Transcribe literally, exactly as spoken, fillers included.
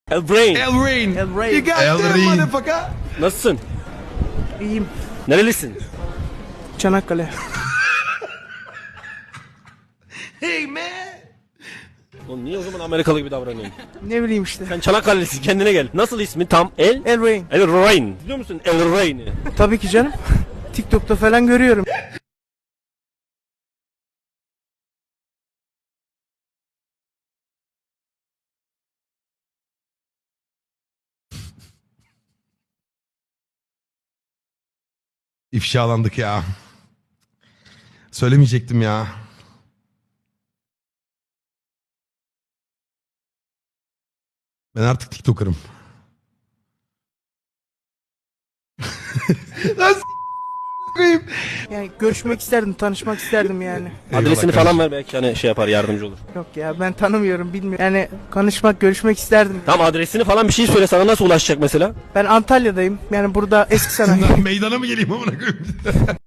Elbrain. Elrain. Elrain. You got Elrain. that motherfucker. Nasılsın? İyiyim. Nerelisin? Çanakkale. Hey man. Oğlum niye o zaman Amerikalı gibi davranıyorsun? Ne bileyim işte. Sen Çanakkale'lisin, kendine gel. Nasıl ismi tam? El? Elrain. Elrain. Biliyor musun Elrain'i? Tabii ki canım. TikTok'ta falan görüyorum. İfşalandık ya. Söylemeyecektim ya. Ben artık TikToker'ım. Lan s- koyayım. Yani görüşmek isterdim, tanışmak isterdim yani. Adresini Eyvallah falan kardeşim. ver, belki hani şey yapar, yardımcı olur. Yok ya, ben tanımıyorum, bilmiyorum. Yani konuşmak, görüşmek isterdim. Tamam, adresini falan bir şey söyle, sana nasıl ulaşacak mesela? Ben Antalya'dayım. Yani burada eski sanayi. Meydana mı geleyim amına koyayım?